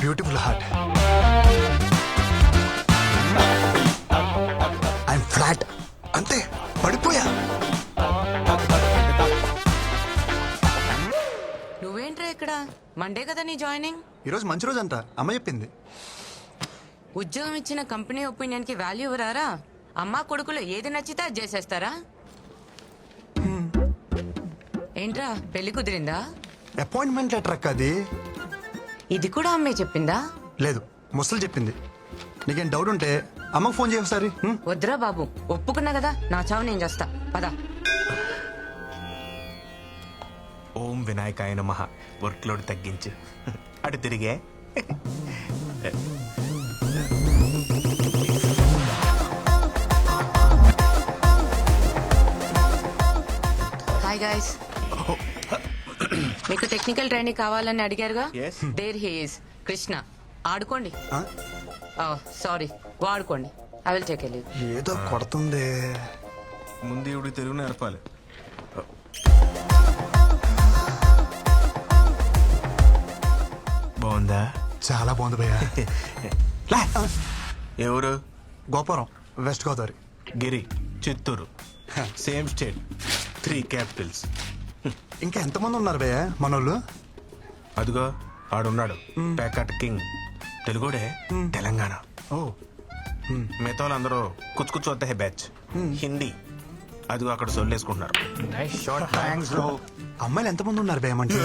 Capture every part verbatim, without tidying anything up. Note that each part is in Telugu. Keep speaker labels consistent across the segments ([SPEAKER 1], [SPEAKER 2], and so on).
[SPEAKER 1] Beautiful heart. ఐఎమ్ ఫ్లాట్, అంతే పడిపోయా.
[SPEAKER 2] నువ్వేంట్రా ఇక్కడ? మండే కదా నీ జాయినింగ్.
[SPEAKER 1] ఈరోజు మంచి రోజు అంట, అమ్మ చెప్పింది.
[SPEAKER 2] ఉద్యోగం ఇచ్చిన కంపెనీ ఒపీనియన్ కి వాల్యూ ఇవ్వరారా? అమ్మా కొడుకులు ఏది నచ్చితే అది చేసేస్తారా? ఏంట్రా పెళ్లి కుదిరిందా?
[SPEAKER 1] అపాయింట్మెంట్ లెటర్ అక్క అది.
[SPEAKER 2] ఇది కూడా అమ్మే చెప్పిందా?
[SPEAKER 1] లేదు, ముసలు చెప్పింది. నీకేం డౌట్ ఉంటే అమ్మకు ఫోన్ చేయ ఒకసారి.
[SPEAKER 2] వద్దురా బాబు, ఒప్పుకున్నా కదా, నా చావు నేను చేస్తా. పదా.
[SPEAKER 3] ఓం వినాయకాయ నమః. వర్క్ లోడ్ తగ్గించు. అటు తిరిగే.
[SPEAKER 2] Hi guys. మీకు టెక్నికల్ ట్రైనింగ్ కావాలని అడిగారుగా?
[SPEAKER 3] Yes.
[SPEAKER 2] There he is Krishna. ఆడుకోండి.
[SPEAKER 1] ఆ?
[SPEAKER 2] సారీ, వాడుకోండి. I will take leave.
[SPEAKER 1] ఏదో కొడుతుంది.
[SPEAKER 3] ముందు ఇవిడికి తెలుగు నేర్పాలి. బాగుందా?
[SPEAKER 1] చాలా బాగుంది భయ్యా.
[SPEAKER 3] ఎవరు?
[SPEAKER 1] గోపురం, west Godavari.
[SPEAKER 3] Giri, Chittoor. Same state, three capitals.
[SPEAKER 1] ఇంకా ఎంతమంది ఉన్నారు భయ్యా మనోళ్ళు?
[SPEAKER 3] అదిగో ఆడున్నాడు, ప్యాకట్ కింగ్. తెలుగుడే, తెలంగాణ.
[SPEAKER 1] ఓ,
[SPEAKER 3] మిగతా వాళ్ళందరూ కుచ్చు కుచ్చు వద్ద బ్యాచ్. హిందీ. అదిగో అక్కడ సొల్లేసుకుంటున్నారు.
[SPEAKER 1] అమ్మాయిలు ఎంతమంది ఉన్నారు భయ్యా మన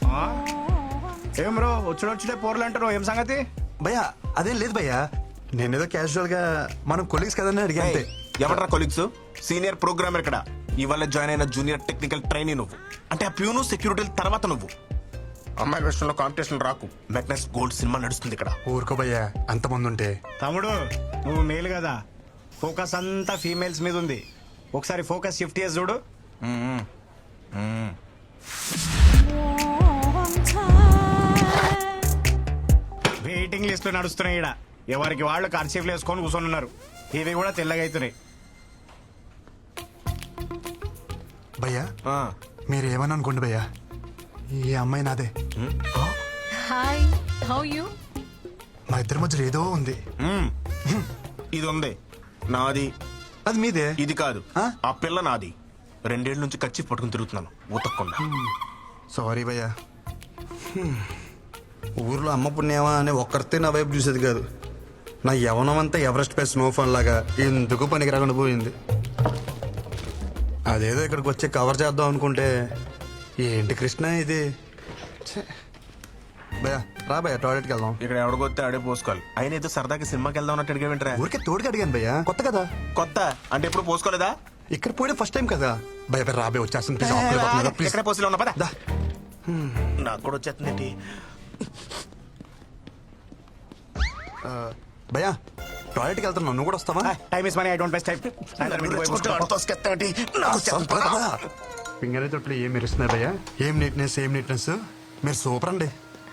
[SPEAKER 4] ఏం బ్రో వచ్చుడు వచ్చుడే పోర్లు అంటారు, ఏం సంగతి?
[SPEAKER 1] భయ్యా? అదేం లేదు భయ్యా, నేనేదో క్యాజువల్ గా మనం కొలీగ్స్ కదని అడిగా అంతే.
[SPEAKER 3] ఎవరా కొలీగ్స్? సీనియర్ ప్రోగ్రామర్ ఇక్కడ. ఇవాళ జాయిన్ అయిన జూనియర్ టెక్నికల్ ట్రైనీ నువ్వు. అంటే ఆ ప్యూను సెక్యూరిటీ తర్వాత నువ్వు. అమ్మాయి విషయంలో కాంపిటీషన్ రాకు. మెగ్నస్ గోల్డ్ సినిమా నడుస్తుంది ఇక్కడ.
[SPEAKER 1] ఊరుకో భయ్యా, అంతమంది ఉంటే.
[SPEAKER 4] తమ్ముడు నువ్వు మేలు కదా, ఫోకస్ అంతా ఫీమేల్స్ మీద ఉంది. ఒకసారి ఫోకస్ షిఫ్ట్ చేసి చూడు. వెయిటింగ్ లిస్ట్ నడుస్తున్నాయి ఇక్కడ. ఎవరికి వాళ్ళు కర్చీఫ్లు వేసుకొని కూర్చొని ఉన్నారు. ఇవి కూడా తెల్లగా అవుతున్నాయి.
[SPEAKER 1] భయ్యా
[SPEAKER 3] ఆ,
[SPEAKER 1] మీరు ఏమని అనుకోండి భయ్యా, ఈ అమ్మాయి నాదే.
[SPEAKER 5] Hi, how you?
[SPEAKER 1] మా ఇద్దరి మధ్యలో ఏదో ఉంది.
[SPEAKER 3] మ్మ్. ఇది ఉంది నాది.
[SPEAKER 1] అది మీదే.
[SPEAKER 3] ఇది కాదు,
[SPEAKER 1] ఆ?
[SPEAKER 3] ఆ పిల్ల నాది. రెండేళ్ల నుంచి కచ్చి పట్టుకుని తిరుగుతున్నాను ఉతక్కుండా.
[SPEAKER 1] సారీ భయ్యా. ఊర్లో అమ్మ పుణ్యమా అని ఒక్కరితే నా వైపు చూసేది కాదు. నా యవనం అంతా ఎవరెస్ట్ పై స్నోఫాన్ లాగా ఎందుకు పనికి రాకుండా పోయింది. అదేదో ఇక్కడికి వచ్చి కవర్ చేద్దాం అనుకుంటే ఏంటి కృష్ణ ఇది. ఛే. భయ్యా రా భయ్యా, టాయిలెట్కి వెళ్దాం.
[SPEAKER 3] ఇక్కడ ఎవడికొస్తే ఆడే పోసుకోవాలి. అయినా ఏదో సరదాకి సినిమాకి వెళ్దాం అన్నట్టు అడిగా వింటరా?
[SPEAKER 1] ఊరికే తోడుకి అడిగాను భయ్యా, కొత్త కదా.
[SPEAKER 3] కొత్త అంటే ఎప్పుడు పోసుకోలేదా?
[SPEAKER 1] ఇక్కడ పోయడం ఫస్ట్ టైం కదా. భయ భయ రాబే వచ్చేస్తుంది ప్లీజ్, ఆకలి అవుతుంది, ప్లీజ్.
[SPEAKER 3] ఎక్కడ పోసిలో ఉన్నా పద.
[SPEAKER 1] దా.
[SPEAKER 3] నాకు కూడా వచ్చేస్తుంది.
[SPEAKER 1] భయ్యా టాయిలెట్కి వెళ్తాను, నువ్వు కూడా వస్తావా?
[SPEAKER 4] Time is money, I don't waste time.
[SPEAKER 1] Finger తొట్లు ఏం మెరుస్తున్నాయి భయ్యా, ఏం నీట్నెస్ ఏం నీట్నెస్. మీరు సూపర్ అండి.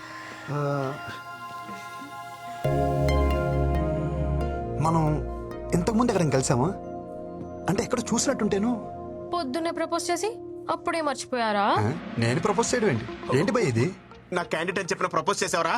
[SPEAKER 1] మనం ఇంతకుముందు ఎక్కడ కలిసామా? అంటే ఎక్కడ చూసినట్టుంటేను.
[SPEAKER 5] పొద్దున్నే ప్రపోజ్ చేసి అప్పుడే మర్చిపోయారా?
[SPEAKER 1] ఆ, నేను ప్రపోజ్ చేయడం ఏంటి? ఏంటి భయ్ ఇది?
[SPEAKER 3] నా క్యాండిడేట్ అని చెప్పిన ప్రపోజ్ చేసావరా?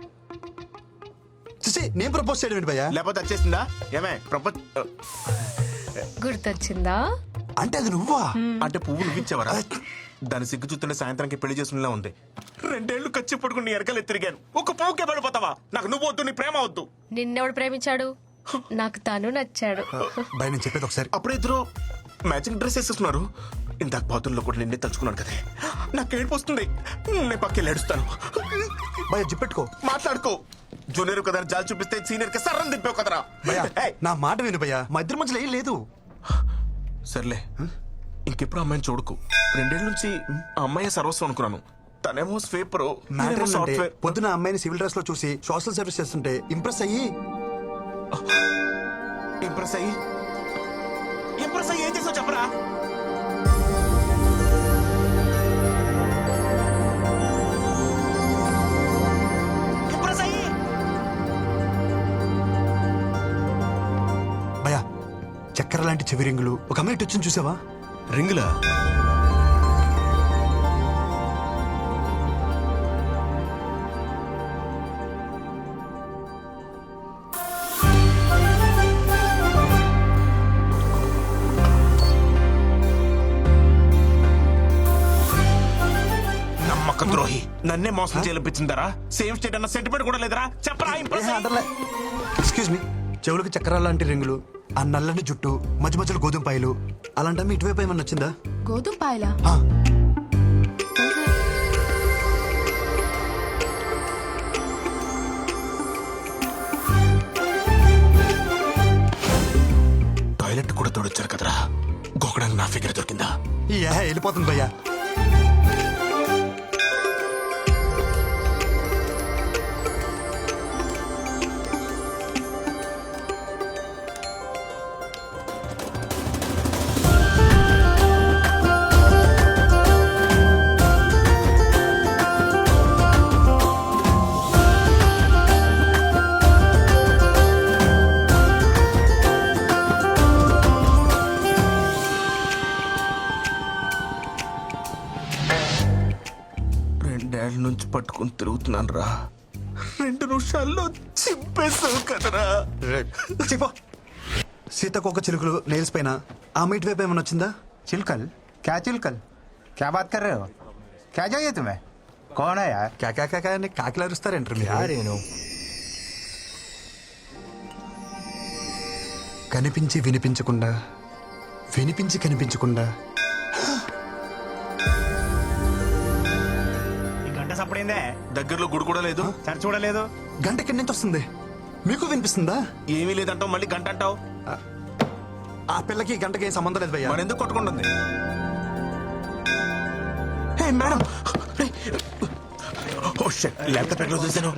[SPEAKER 1] చూసి నేను ప్రపోజ్ చేయడం ఏంటి భయ్యా?
[SPEAKER 3] లేకపోతే వచ్చేసిందా? ఏమే ప్రపోజ్
[SPEAKER 5] గుర్తొచ్చిందా?
[SPEAKER 1] అంటే అది నువ్వా?
[SPEAKER 3] అంటే పువ్వు నువ్వు ఇచ్చావరా? దాని సిగ్గు చూస్తుంటే సాయంత్రానికి పెళ్లి చేసుకునేలా ఉంది. రెండేళ్లు ఖర్చు పడుకుని ఎరకలు తిరిగాను. ఒక పువ్వుకే పడిపోతావా? నాకు నువ్వు వద్దు, నీ ప్రేమ వద్దు.
[SPEAKER 5] నిన్నెవడు ప్రేమించాడు? నాకు తను నచ్చాడు.
[SPEAKER 1] భయ్ నేను చెప్పేది ఒకసారి.
[SPEAKER 3] అప్పుడే ఇద్దరు మ్యాచింగ్ డ్రెస్ వేసేస్తున్నారు. ఇందాక బాతుల్లో కూడా నిన్నే తలుచుకున్నాను కదే. నాకు ఏడుపు వస్తుంది. నేను పక్కకి ఏడుస్తాను.
[SPEAKER 1] భయ జిప్పెట్టుకో,
[SPEAKER 3] మాట్లాడుకో. జూనియర్ కదా జాలి చూపిస్తే సీనియర్ కి సర్రం దింపావు కదరా.
[SPEAKER 1] భయ్యా
[SPEAKER 3] ఏయ్,
[SPEAKER 1] నా మాట విను భయ్యా, మా ఇద్దరి మధ్యలో ఏం లేదు.
[SPEAKER 3] సర్లే ఇంకెప్పుడు అమ్మాయిని చూడకు. రెండేళ్ల నుంచి ఆ అమ్మాయి సర్వస్వం అనుకున్నాను. తనేమో స్వీపర్,
[SPEAKER 1] మ్యాటర్ ఏంటంటే
[SPEAKER 3] సాఫ్ట్వేర్.
[SPEAKER 1] పొద్దున అమ్మాయిని సివిల్ డ్రెస్ లో చూసి సోషల్ సర్వీస్ చేస్తుంటే ఇంప్రెస్ అయ్యి
[SPEAKER 3] ఇంప్రెస్ అయ్యి ఇంప్రెస్ అయ్యి ఏం చేసావు చెప్పరా? ఇంప్రెస్ అయ్యి
[SPEAKER 1] భయ్యా చక్కెర లాంటి చెవి రింగులు ఒక అమ్మాయి వచ్చింది చూసావా?
[SPEAKER 3] రింగులా? నన్నే మోసం చేయించిందరా? సేమ్ స్టేట్ అన్న సెంటిమెంట్ కూడా లేదరా? చెప్పరా ఇంప్రెస్ అయ్యి.
[SPEAKER 1] ఎక్స్క్యూజ్ మీ, చెవులకు చక్రాల లాంటి రింగులు, ఆ నల్లని జుట్టు, మధ్య మధ్యలో గోధుమ పాయలు, అలాంటి ఇటువైపు ఏమన్నా వచ్చిందా?
[SPEAKER 5] గోధుమ పాయలా?
[SPEAKER 1] ఆ,
[SPEAKER 3] టాయిలెట్ కూడా తోడొచ్చారు కదరా, గోకడానికి నా ఫిగర్ దొరికిందా?
[SPEAKER 1] ఈ ఏహ వెళ్ళిపోతుంది భయ్యా.
[SPEAKER 3] రెండేళ్ల నుంచి పట్టుకుని తిరుగుతున్నాను రా, రెండు నిమిషాల్లో చింపేసావు కదరా.
[SPEAKER 1] చెప్పో. సీతకొక చిలుకలు నెయిల్స్ పైన ఆమె ఇటువైపు ఏమన్నా వచ్చిందా?
[SPEAKER 4] चिलकल? क्या चिलकल? क्या बात कर रहे हो? क्या चाहिए तुम्हें? कौन है यार?
[SPEAKER 1] క్యా క్యా క్యా క్యా అని కాకిలు అరుస్తారేంటారు మీరు? కనిపించి వినిపించకుండా, వినిపించి కనిపించకుండా.
[SPEAKER 4] ఈ గంట సప్పుడైందే,
[SPEAKER 3] దగ్గరలో గుడి కూడా లేదు.
[SPEAKER 4] సరి చూడలేదు.
[SPEAKER 1] గంట ఎక్కడి నుంచి వస్తుంది? మీకు వినిపిస్తుందా?
[SPEAKER 3] ఏమీ లేదంటావు, మళ్ళీ గంట అంటావు.
[SPEAKER 1] ఆ పిల్లకి ఈ గంటకి ఏం సంబంధం లేదు భయ్యా.
[SPEAKER 3] మరి ఎందుకు కొట్టుకుంటుంది? Hey madam, oh shit, laptop ఎక్కడ చూసాను?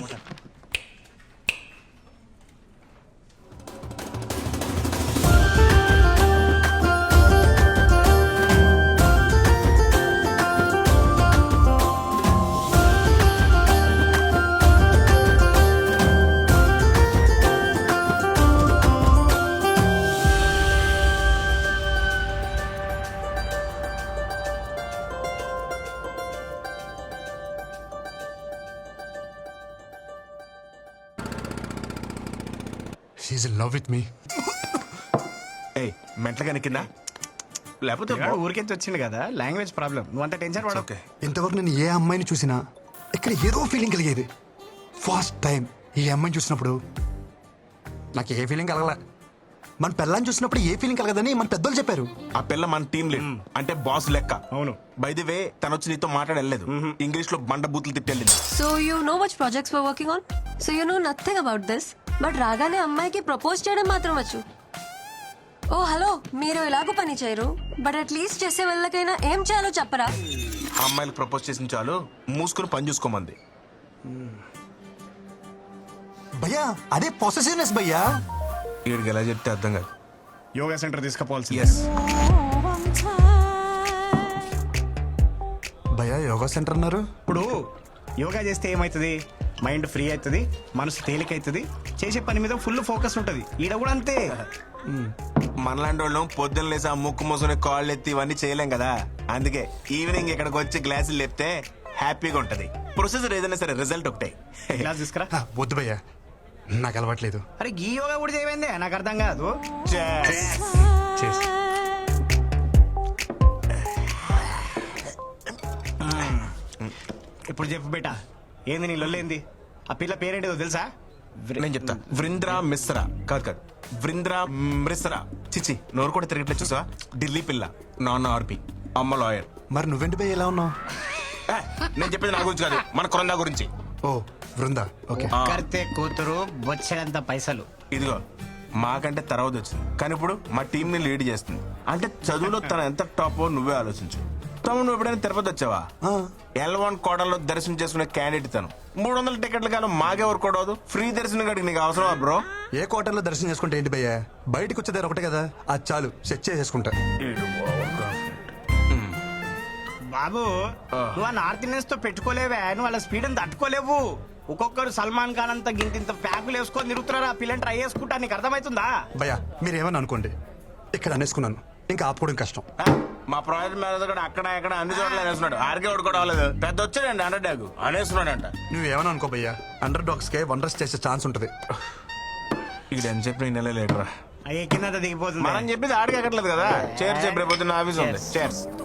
[SPEAKER 1] She in love with me.
[SPEAKER 3] ఏయ్, మెంటలుగా కింద లేకపోతే
[SPEAKER 4] పిల్లాడు ఊరికెంచి వచ్చింది కదా, లాంగ్వేజ్ ప్రాబ్లం. నువ్వు అంత టెన్షన్ పడవు.
[SPEAKER 3] ఓకే.
[SPEAKER 1] ఇంతవరకు నేను ఏ అమ్మాయిని చూసినా ఇక్కడ ఏదో ఫీలింగ్ కలిగేది. ఫస్ట్ టైం ఈ అమ్మాయిని చూసినప్పుడు నాకు ఏ ఫీలింగ్ కలగలే. మన పిల్లని చూసినప్పుడు ఏ ఫీలింగ్ కలగదని మన పెద్దోళ్ళు చెప్పారు.
[SPEAKER 3] ఆ పిల్ల మన టీం లీడ్, అంటే బాస్ లెక్క.
[SPEAKER 4] అవును.
[SPEAKER 3] బై ది వే, తను వచ్చి నీతో మాట్లాడలేదు, ఇంగ్లీష్ లో బండ బూతులు తిట్టెళ్ళింది.
[SPEAKER 6] So you know which projects we're working on? So you know nothing about this. But రాగానే అమ్మాయికి ప్రపోజ్ చేయడం మాత్రం వచ్చు. ఓ హలో, మీరు ఎలాగో పని చేయరు, బట్ అట్లీస్ట్ చేసే వాళ్ళకైనా ఏం చేయాలో చెప్పరా?
[SPEAKER 3] ఆ అమ్మాయిలకు ప్రపోజ్ చేసిన చాలు, మూసుకుని పని చూసుకోమంది.
[SPEAKER 1] భయ్యా అదే పొసెసివ్నెస్ భయ్యా.
[SPEAKER 3] వీడికి ఎలా చెప్తే అర్థం కాదు.
[SPEAKER 4] Yoga centre తీసుకుపోవాల్సి.
[SPEAKER 3] ఎస్,
[SPEAKER 1] భయ్యా యోగా సెంటర్ అన్నారు.
[SPEAKER 4] ఇప్పుడు యోగా చేస్తే ఏమవుతుంది? మైండ్ ఫ్రీ అవుతుంది, మనసు తేలిక అవుతుంది, చేసే పని మీద ఫుల్ ఫోకస్ ఉంటుంది. ఈడ కూడా అంతే.
[SPEAKER 3] మనలాంటి వాళ్ళం పొద్దున్న లేసి ఆ ముక్కు మూసుకుని కాళ్ళు ఎత్తి ఇవన్నీ చేయలేం కదా. అందుకే ఈవినింగ్ ఇక్కడికి వచ్చి గ్లాసులు లేపితే హ్యాపీగా ఉంటది. ప్రొసెసర్ ఏదైనా సరే రిజల్ట్ ఒకటే.
[SPEAKER 4] క్లాస్ తీసుకురా.
[SPEAKER 1] ఆ, వద్దు భయ్యా, నాకు అలవాట్లేదు.
[SPEAKER 4] అరే ఈ యోగా కూడా చేయమైందే, నాకు అర్థం కాదు.
[SPEAKER 1] చేసి
[SPEAKER 4] ఇప్పుడు చెప్పు బేటా, ఏంది నీ లొల్లేంది? ఆ పిల్ల పేరేంటిదో తెలుసా?
[SPEAKER 3] నేను చెప్తా. వృంద్రా మిశ్రా. కాదు కాదు, వృంద్రా మిశ్రా. చిచి, నోరు కూడా తిరగట్లేదు చూసా. ఢిల్లీ పిల్ల, నాన్న ఆర్పి, అమ్మ లాయర్.
[SPEAKER 1] మరి నువ్వెంటి భయ్య ఎలా ఉన్నావు?
[SPEAKER 3] ఏ, నేను చెప్పేది నా గురించి కాదు, మన కొరందా గురించి.
[SPEAKER 1] Oh Brinda, okay.
[SPEAKER 3] ఆ,
[SPEAKER 4] కర్తే కూతురు బొచ్చడంత పైసలు.
[SPEAKER 3] ఇదిగో మాకంటే తర్వాత వచ్చింది, కానీ ఇప్పుడు మా టీం ని లీడ్ చేస్తుంది. అంటే చదువులో తను ఎంత టాప్ నువ్వే ఆలోచించు. తమ్ముడు, నువ్వు ఎప్పుడైనా తిరుపతి వచ్చావా?
[SPEAKER 1] ఆ.
[SPEAKER 3] ఎల్ వన్ కోటలో దర్శనం చేసుకునే క్యాండిడేట్ తను. మూడు వందల టికెట్లు కానీ మాకెవరు కొడవదు. ఫ్రీ దర్శనం కాడికి నీకు అవసరమా బ్రో?
[SPEAKER 1] ఏ క్వార్టర్లో దర్శనం చేసుకుంటే ఏంటి భయ్యా? బయటకు వచ్చేదారు ఒకటే కదా, అది చాలు, సెట్ చేసేసుకుంటా.
[SPEAKER 4] బాబు, నువ్వు ఆ నార్త్ ఇండియన్స్ తో పెట్టుకోలేవే, నువ్వు వాళ్ళ స్పీడ్ అని తట్టుకోలేవు. ఒక్కొక్కరు సల్మాన్ ఖాన్ అంతా గింత ఇంత ప్యాకులు వేసుకొని తిరుగుతున్నారు. ఆ పిల్లని ట్రై చేసుకుంటా, నీకు అర్థమవుతుందా?
[SPEAKER 1] భయ్యా మీరేమని అనుకోండి, ఇక్కడ అనేసుకున్నాను, ఇంకా ఆపుకోవడం కష్టం.
[SPEAKER 3] ఆ, మా ప్రాజెక్ట్ మేనేజర్ కూడా అక్కడ ఇక్కడ అన్ని చోట్ల అనేస్తున్నాడు. ఆర్కే ఒకటి అవ్వలేదు, పెద్ద వచ్చాడండి అండర్ డాగ్ అనేస్తున్నాడంట.
[SPEAKER 1] నువ్వేమని అనుకో భయ్యా, అండర్ డాగ్స్ కే వండర్స్ చేసే ఛాన్స్ ఉంటుంది.
[SPEAKER 3] ఇక్కడ అని చెప్పి నెల లేటరా
[SPEAKER 4] అయ్యే కింద దిగిపోతుంది.
[SPEAKER 3] మనం చెప్పేది ఆడికి ఎక్కట్లేదు కదా. చేర్స్ రేపు పొద్దున్న ఆఫీస్ ఉంది. చేర్స్.